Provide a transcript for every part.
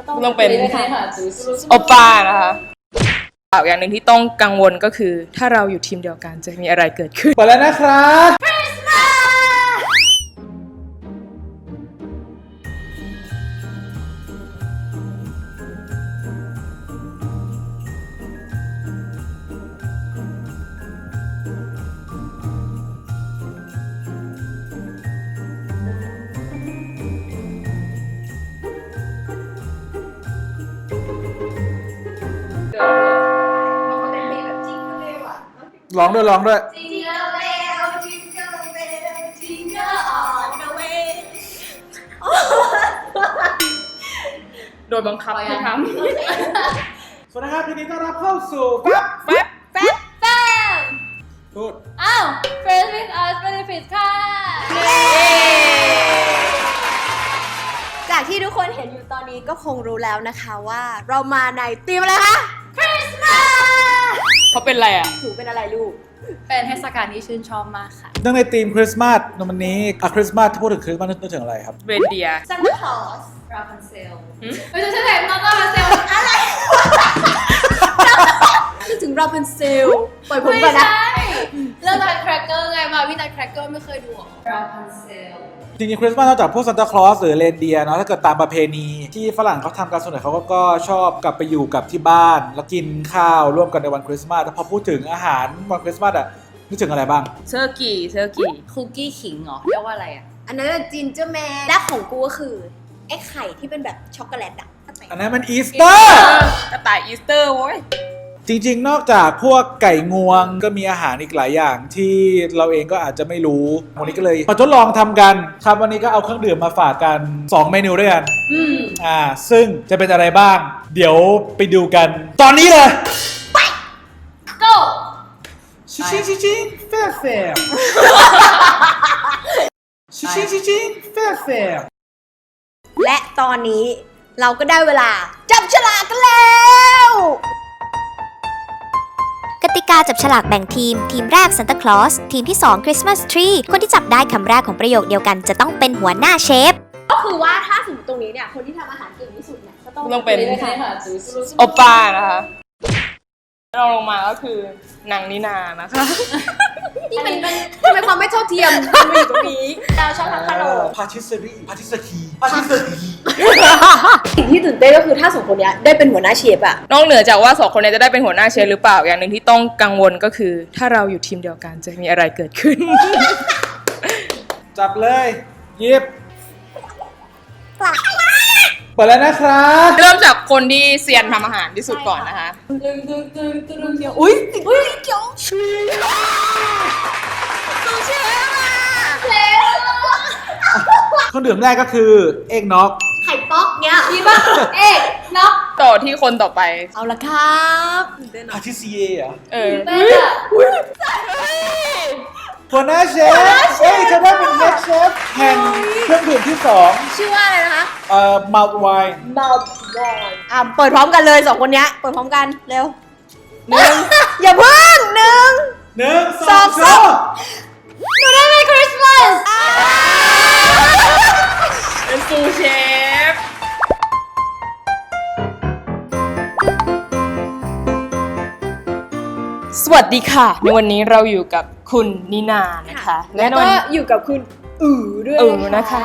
ต้องเป็นโอป้านะคะอย่างหนึ่งที่ต้องกังวลก็คือถ้าเราอยู่ทีมเดียวกันจะมีอะไรเกิดขึ้นเปิดแล้วนะครับ ร้องด้วยร้องด้วยโดยบังคับให้ทำสวัสดีครับทีนี้ต้อนรับเข้าสู่แป๊บแป๊บพูดอ้าว Friends with us benefits ค่ะจากที่ทุกคนเห็นอยู่ตอนนี้ก็คงรู้แล้วนะคะว่าเรามาในธีมอะไรคะคริสต์มาสเขาเป็นอะไรอ่ะถูเป็นอะไรลูกเป็นเทศกาลที่ชื่นชอบมากค่ะเนื่องในธีมคริสต์มาสในวันนี้คริสต์มาสถ้าพูดถึงคริสต์มาสนึกถึงอะไรครับเรนเดียร์ซันตาคลอส Rapunzel ไม่ใช่ไหนน้องก็มาเซลนึกถึงเราเป็นเซลล์ปล่อยผมไม่ก่อนนะใช่เรื่องนัทแครกเกอร์ไงมาวินัทแครกเกอร์ไม่เคยดูหรอ Rapunzel จริงๆคริสต์มาสนอกจากพวกซานตาคลอสหรือเรนเดียร์เนาะถ้าเกิดตามประเพณีที่ฝรั่งเขาทำกันส่วนใหญ่เขาก็ชอบกลับไปอยู่กับที่บ้านแล้วกินข้าวร่วมกันในวันคริสต์มาสแต่พอพูดถึงอาหารวันคริสต์มาสอะนึกถึงอะไรบ้างเซอร์กี้คุกกี้ขิงเหรอเรียกว่าอะไรอ่ะอันนั้นจินเจอร์แมนและของกูก็คือไอ้ไข่ที่เป็นแบบช็อกโกแลตอะอันนั้นมันอีสเตอร์กระต่ายอีสเตอร์โว้ยจริงๆ นอกจากพวกไก่งวงก็มีอาหารอีกหลายอย่างที่เราเองก็อาจจะไม่รู้วันนี้ก็เลยมาทดลองทำกันครับวันนี้ก็เอาเครื่องดื่มมาฝากกัน 2 เมนูด้วยกันซึ่งจะเป็นอะไรบ้าง เดี๋ยวไปดูกัน ตอนนี้เลย go ชิชิชิชิแฟร์แฟร์ชิชิชิชิแฟร์แฟร์และตอนนี้เราก็ได้เวลาจับฉลากกันแล้วกติกาจับฉลากแบ่งทีม ทีมแรก Santa Claus ทีมที่ 2 Christmas Tree คนที่จับได้คำแรกของประโยคเดียวกันจะต้องเป็นหัวหน้าเชฟก็คือว่าถ้าสมมติตรงนี้เนี่ยคนที่ทำอาหารเก่งที่สุดเนี่ยก็ต้องต้องเป็นเลยค่ะโอป้านะคะเราลงมาก็คือนางนินานะคะนี่มันทำไมความไม่เท่าเทียมมันมาอยู่ตรงนี้เราชอบทำขนมพาทิสรีพาทิสคีพาทิสรีสิ่งที่ตื่นเต้นก็คือถ้าสองคนเนี้ยได้เป็นหัวหน้าเชฟอะนอกเหนือจากว่า2 คนนี้จะได้เป็นหัวหน้าเชฟหรือเปล่าอย่างหนึ่งที่ต้องกังวลก็คือถ้าเราอยู่ทีมเดียวกันจะมีอะไรเกิดขึ้นจับเลยหยิบเปิดแล้วนะครับเริ่มจากคนที่เซียนทำอาหารที่สุดก่อนนะคะอุ้ยติดเกี่ยวเครื่องดื่มแรกก็คือเอ็กน็อกไข่ป๊อกเนี้ยดีป่ะเอ๊ะน็อกต่อที่คนต่อไปเอาละครับตื่นเต้นพาอะทิซีเอ่ะเออเต้นอ่ะหัวหน้าเชฟเอ้ยจะได้เป็นเฮดเชฟแห่งเครื่องดื่มที่ชื่อว่าอะไรนะคะ 2มัลต์ไวน์มัลติวายเปิดพร้อมกันเลยสองคนเนี้ยเปิดพร้อมกันเร็วอย่าเพิ่ง1 1 สอง 2 สามหนูได้เป็นคริสต์มาสเป็นซูเชฟสวัสดีค่ะ ในวันนี้เราอยู่กับคุณนินานะคะแล้วก็อยู่กับคุณด้วยนะคะ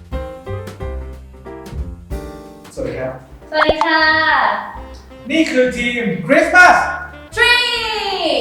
สวัสดีครับสวัสดีค่ะนี่คือทีมคริสต์มาส Tree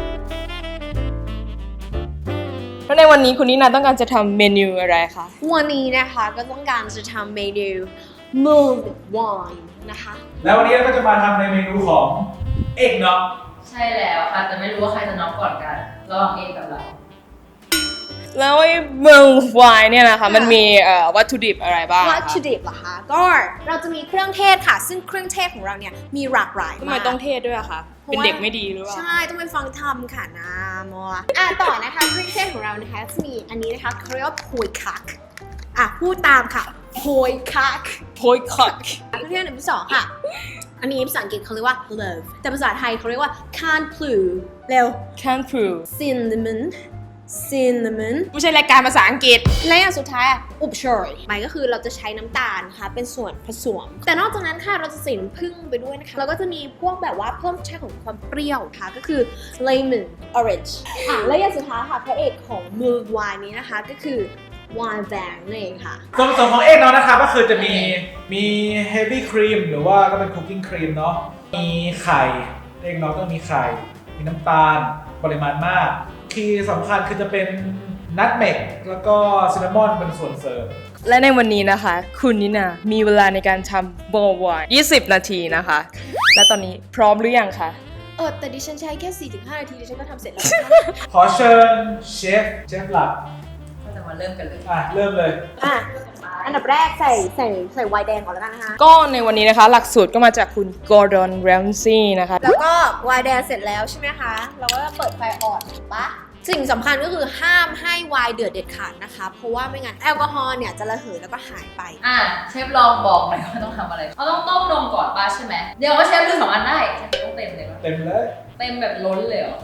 แล้วในวันนี้คุณนินาต้องการจะทำเมนูอะไรคะวันนี้นะคะก็ต้องการจะทำเมนู mulled wine นะคะแล้ววันนี้เราก็จะมาทำในเมนูของเอ็กน็อกใช่แล้วค่ะ แต่ไม่รู้ว่าใครจะน็อกก่อนกันระหว่างเองกับเราแล้วไอ้เมืองไวน์เนี่ยนะคะมันมีวัตถุดิบอะไรบ้างวัตถุดิบเหรอคะก็เราจะมีเครื่องเทศค่ะ ซึ่งเครื่องเทศของเราเนี่ยมีหลากหลายทำไมมากต้องเทศด้วยอะคะเป็นเด็กไม่ดีหรือเปล่าใช่ต้องไปฟังทำค่ะนะมัวต่อนะคะเครื่องเทศของเรานะคะจะมีอันนี้นะคะเขาเรียกว่าโพยคักพูดตามค่ะโพยคักโพยคักเครื่องเทศอันที่ 2ค่ะ อันนี้ภาษาอังกฤษเขาเรียกว่า clove แต่ภาษาไทยเขาเรียกว่า can plu เร็ว Can't prove cinnamon cinnamon ไม่ใช่รายการภาษาอังกฤษและอย่างสุดท้ายอุบเชยหมายก็คือเราจะใช้น้ำตาลนะคะเป็นส่วนผสมแต่นอกจากนั้นค่ะเราจะใส่น้ำผึ้งไปด้วยนะคะแล้วก็จะมีพวกแบบว่าเพิ่มรสชาติของความเปรี้ยวค่ะก็คือ lemon orange และอย่างสุดท้ายค่ะพระเอกของมือวายนี้นะคะก็คือวายแบงนั่นเองค่ะส่วนผสมของเอกเนาะนะครับก็คือจะมี heavy cream หรือว่าก็เป็น cooking cream เนาะมีไข่เอกเนาะต้องมีไข่มีน้ำตาลปริมาณมากที่สำคัญคือจะเป็นนัทเมกแล้วก็ซินนามอนเป็นส่วนเสริมและในวันนี้นะคะ คุณนิน่ามีเวลาในการทำโบวาย20 นาทีนะคะ และตอนนี้พร้อมหรือยังคะแต่ดิฉันใช้แค่ 4-5 นาทีดิฉันก็ทำเสร็จแล้วขอเชิญเชฟหลักก็จะมาเริ่มกันเลยเริ่มเลยอันดับแรกใส่ไวน์แดงก่อนแล้วกันนะคะก็ในวันนี้นะคะ หลักสูตรก็มาจากคุณกอร์ดอน แรมซี่นะคะแล้วก็ไวน์แดงเสร็จแล้วใช่ไหมคะ เราก็เปิดไฟอ่อนถูกปะสิ่งสำคัญก็คือห้ามให้ไวน์เดือดเด็ดขาดนะคะ เพราะว่าไม่งั้นแอลกอฮอล์เนี่ยจะระเหยแล้วก็หายไปเชฟลองบอกหน่อยว่าต้องทำอะไรเราต้องต้มนมก่อนป่ะใช่ไหมเดี๋ยวว่าเชฟลืม2 อันได้เชฟต้องเต็มเลยป่ะเต็มเลยเต็มแบบล้นเลยเหรอ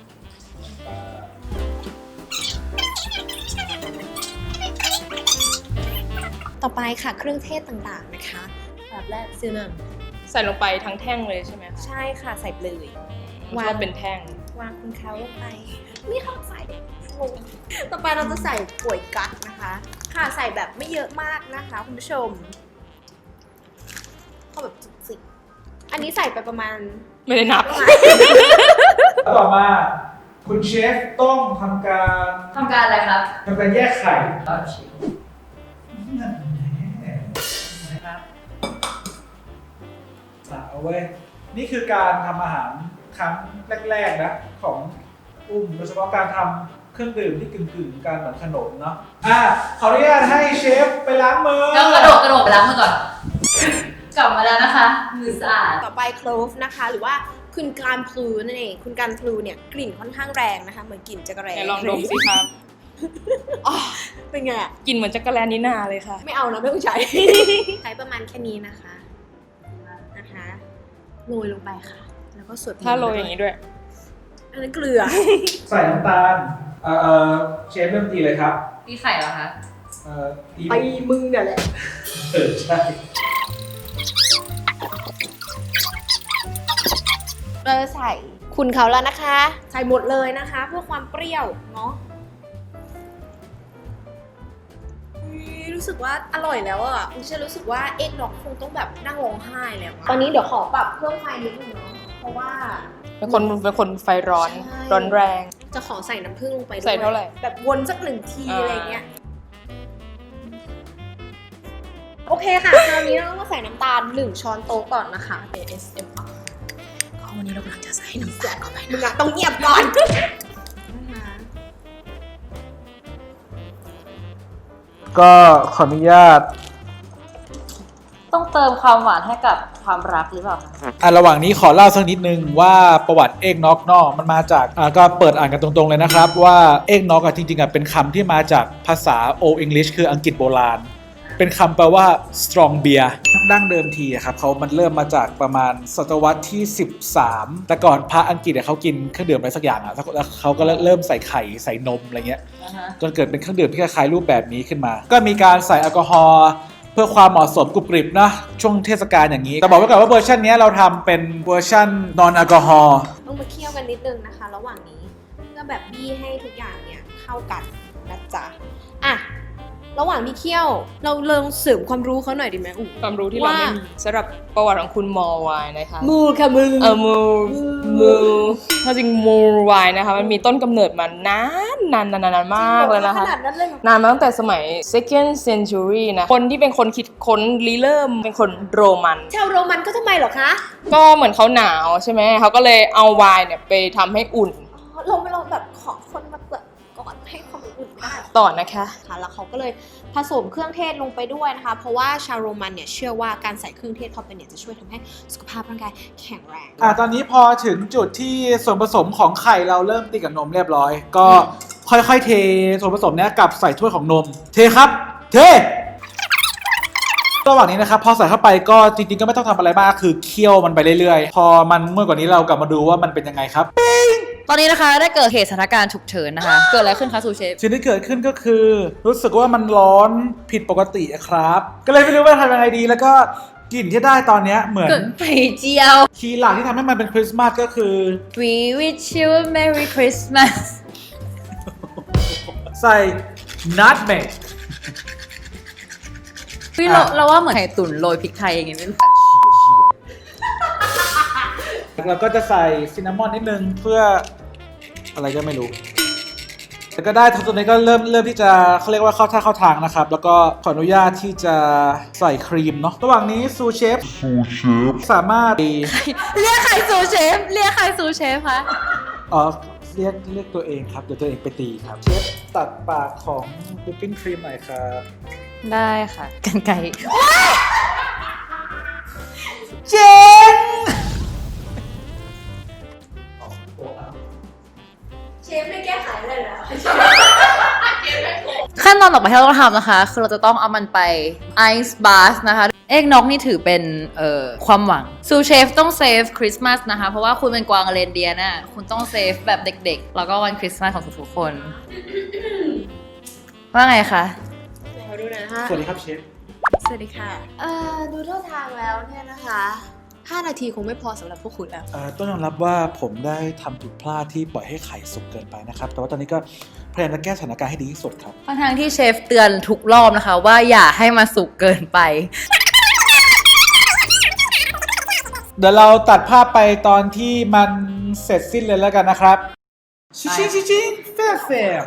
ต่อไปค่ะเครื่องเทศต่างๆนะคะอันดับแรกซินนามใส่ลงไปทั้งแท่งเลยใช่ไหมคะใช่ค่ะใส่ไปเลยวางเป็นแท่งวางคุณเขาลงไปไม่เข้าใส่งงต่อไปเราจะใส่ป่วยกั๊กนะคะ ค่ะใส่แบบไม่เยอะมากนะคะคุณผู้ชมเข้าแบบจุกๆอันนี้ใส่ไปประมาณไม่ได้นับแล้วต่อมาคุณเชฟต้องทำการทำการอะไรครับแยกไข่เอาเชฟนะครับเอาไว้นี่คือการทำอาหารครั้งแรกๆนะของโดยเฉพาะการทำเครื่องดื่มที่กึ่งๆการเหมือนขนมเนาะขออนุญาตให้เชฟไปล้างมือก็กระโดดไปล้างมือก่อน กลับมาแล้วนะคะ มือสะอาดต่อไปโคลฟนะคะ หรือว่าคุณการพลูนั่นเองคุณการพลูเนี่ยกลิ่นค่อนข้างแรงนะคะเหมือนกลิ่นจักรแร้ไหนลองดมสิครับเป็นไงอะกลินเหมือนจักรแลนิน่าเลยค่ะไม่เอานะไม่ต้องใช้ ใช้ประมาณแค่นี้นะคะโรยลงไปค่ะ แล้วก็สวดมนต์ถ้าโรยอย่างนี้ด้วยอันนั้นเกลือใส่น้ำตาลเชฟเริ่มตีเลยครับตีไข่เหรอคะตีไปมึงเนี่ยแหละใช่เราจะใส่คุณเขาแล้วนะคะ ใส่หมดเลยนะคะ เพื่อความเปรี้ยวเนาะรู้สึกว่าอร่อยแล้วอ่ะคุณเชื่อรู้สึกว่าเอ็กน็อกคงต้องแบบนั่งร้องไห้แล้วอะตอนนี้เดี๋ยวขอปรับเพิ่มไฟนิดนึงเนาะเพราะว่าเป็นคนไฟร้อนใช่ร้อนแรงจะขอใส่น้ำผึ้งลงไปด้วยใส่เท่าไหร่แบบวนสัก1 ทีอะไรเงี้ยโอเคค่ะคราวนี้เราต้องมาใส่น้ำตาล1 ช้อนโต๊ะก่อนนะคะ ASMR วันนี้เรากำลังจะใส่น้ำตาลเข้าไปมึงอะต้องเงียบก่อนนะคะก็ขออนุญาตต้องเติมความหวานให้กับความรักหรือเปล่าคะระหว่างนี้ขอเล่าสักนิดนึงว่าประวัติเอกน็อกนอกมันมาจากก็เปิดอ่านกันตรงๆเลยนะครับว่าเอกน็อกจริงๆเป็นคำที่มาจากภาษา Old English คืออังกฤษโบราณ เป็นคำแปลว่า strong beer ดั้งเดิมทีครับมันเริ่มมาจากประมาณศตวรรษที่ 13 แต่ก่อนพระอังกฤษเขากินเครื่องดื่มอะไรสักอย่างแล้วเขาก็เริ่มใส่ไข่ใส่นมอะไรเงี้ยจนเกิดเป็นเครื่องดื่มที่คล้ายๆรูปแบบนี้ขึ้นมา ก็มีการใส่แอลกอฮอล์เพื่อความเหมาะสมกรุบกริบนะช่วงเทศกาลอย่างนี้แต่บอกไว้ก่อนว่าเวอร์ชันนี้เราทำเป็นเวอร์ชันนอนแอลกอฮอล์ต้องมาเคี่ยวกันนิดนึงนะคะ ระหว่างนี้ก็แบบบี้ให้ทุกอย่างเนี่ยเข้ากันนะจ๊ะอ่ะระหว่างที่เคี่ยวเราเริ่มเสริมความรู้เขาหน่อยดีไหมอู๋ความรู้ที่เราไม่มีสำหรับประวัติของคุณมอลวายนะคะมูค่ะมือมูถ้าจริงมูวายนะคะมันมีต้นกำเนิดมานานมากเลยนะคะขนาดนั้นเลยเหรอนานมาตั้งแต่สมัย second century นะคนที่เป็นคนคิดค้นริเริ่มเป็นคนโรมันชาวโรมันก็ทำไมเหรอคะก็เหมือนเขาหนาวใช่ไหมเขาก็เลยเอาไวน์เนี่ยไปทำให้อุ่นเราแบบขอคนมาเปิดก่อนให้ความอุ่นได้ต่อนะคะค่ะแล้วเขาก็เลยผสมเครื่องเทศลงไปด้วยนะคะ เพราะว่าชาวโรมันเนี่ยเชื่อว่าการใส่เครื่องเทศเข้าไปเนี่ยจะช่วยทำให้สุขภาพร่างกายแข็งแรงตอนนี้พอถึงจุดที่ส่วนผสมของไข่เราเริ่มตีกับนมเรียบร้อย ก็ค่อยๆเทส่วนผสมเนี้ยกลับใส่ถ้วยของนม เทครับ เทระหว่างนี้นะครับพอใส่เข้าไปก็จริงๆก็ไม่ต้องทำอะไรมากคือเคี่ยวมันไปเรื่อยๆพอมันเมื่อกว่านี้เรากลับมาดูว่ามันเป็นยังไงครับตอนนี้นะคะได้เกิดเหตุสถานการณ์ฉุกเฉินนะคะ เกิดอะไรขึ้นคะซูเชฟสิ่งที่เกิดขึ้นก็คือรู้สึกว่ามันร้อนผิดปกติอะครับ ก็เลยไม่รู้ว่าทำยังไงดีแล้วก็กลิ่นที่ได้ตอนเนี้ยเหมือนเกิดไข่เจียวคีย์หลักที่ทำให้มันเป็นคริสต์มาสก็คือ We wish you a Merry Christmas ใส่ nutmeg พี่เราว่าเหมือนไข่ตุ๋นโรยพริกไทยอย่างเงี้ยไม่รู้เราก็จะใส่ซินนามอนนิดนึงเพื่ออะไรก็ไม่รู้แต่ก็ได้ทั้งตัวนี้ก็เริ่มที่จะเขาเรียกว่าเข้าท่าเข้าทางนะครับแล้วก็ขออนุญาตที่จะใส่ครีมเนาะระหว่างนี้ซูเชฟสามารถเรียกใครซูเชฟเรียกใครซูเชฟคะเรียกตัวเองครับเดี๋ยวตัวเองไปตีครับเชฟตัดปากของวิปปิ้งครีมหน่อยครับได้ค่ะกันไก่เจ๋งเชฟไม่แก้ไขเลยนะขั้นตอนต่อไปที่เราต้องทำนะคะ คือเราจะต้องเอามันไปไอซ์บาสนะคะ เอกนกนี่ถือเป็นความหวังซูเชฟต้องเซฟคริสต์มาสนะคะ เพราะว่าคุณเป็นกวางเรนเดียร์น่ะคุณต้องเซฟแบบเด็กๆ แล้วก็วันคริสต์มาสของทุกๆคน ว่าไงคะขอดูหน่อยนะคะสวัสดีครับเชฟสวัสดีค่ะดูท่าทางแล้วเนี่ยนะคะ5 นาทีคงไม่พอสำหรับพวกคุณแล้วต้องยอมรับว่าผมได้ทำผิดพลาดที่ปล่อยให้ไข่สุกเกินไปนะครับแต่ว่าตอนนี้ก็พยายามจะแก้สถานการณ์ให้ดีที่สุดครับทางที่เชฟเตือนทุกรอบนะคะ ว่าอย่าให้มาสุกเกินไปเดี๋ยวเราตัดภาพไปตอนที่มันเสร็จสิ้นเลยแล้วกันนะครับชิงแฟร์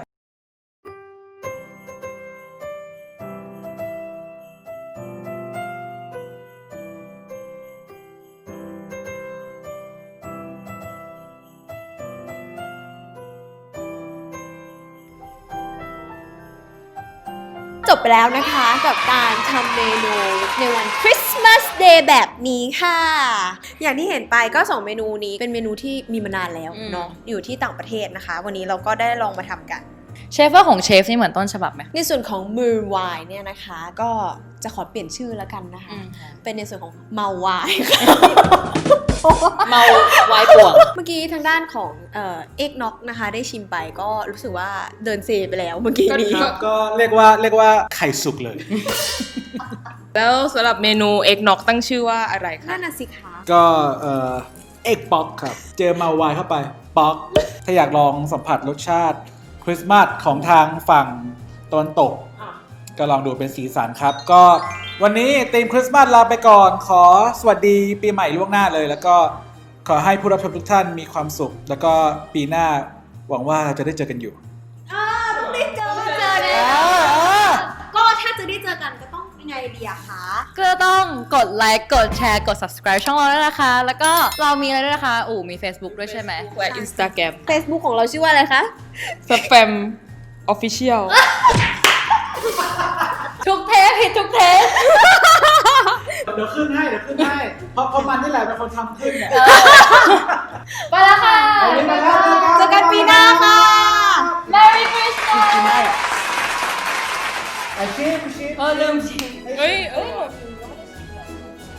จบไปแล้วนะคะกับการทำเมนูในวันคริสต์มาสเดย์แบบนี้ค่ะ อย่างที่เห็นไปก็2เมนูนี้เป็นเมนูที่มีมานานแล้วเนาะอยู่ที่ต่างประเทศนะคะ วันนี้เราก็ได้ลองมาทำกันเชฟว่าของเชฟนี่เหมือนต้นฉบับไหมในส่วนของมือวายเนี่ยนะคะก็จะขอเปลี่ยนชื่อแล้วกันนะคะ เป็นในส่วนของเมาวายค่ะเมาวายป่วงเมื่อกี้ทางด้านของเอกน็อกนะคะได้ชิมไปก็รู้สึกว่าเดินเซไปแล้วเมื่อกี้นี้ก็เรียกว่าไข่สุกเลยแล้วสำหรับเมนูเอ็กน็อกตั้งชื่อว่าอะไรคะนั่นน่ะสิคะก็เอ็กป๊อกครับเจอมาวายเข้าไปป๊อกถ้าอยากลองสัมผัสรสชาติคริสต์มาสของทางฝั่งตะวันตกก็ลองดูเป็นสีสันครับ ก็วันนี้ธีมคริสต์มาสลาไปก่อนขอสวัสดีปีใหม่ล่วงหน้าเลย แล้วก็ขอให้ผู้รับชมทุกท่านมีความสุข แล้วก็ปีหน้าหวังว่าเราจะได้เจอกันอยู่ต้องได้เจอเนี่ยก็ถ้าจะได้เจอกันก็ต้องยังไงดีอะคะก็ต้องกดไลค์กดแชร์กด subscribe ช่องเราด้วยนะคะ แล้วก็เรามีอะไรด้วยนะคะมี Facebook ด้วยใช่ไหมและ Instagram Facebook ของเราชื่อว่าอะไรคะ Spam Official ทุกเทปผิดทุกเทปเดี๋ยวขึ้นให้เพราะมันนี่แหละเป็นคนทำขึ้นเนี่ยไปแล้วค่ะเจอกันปีหน้าค่ะ Merry Christmas ไอ้ชิมลืมชิมเอ้ย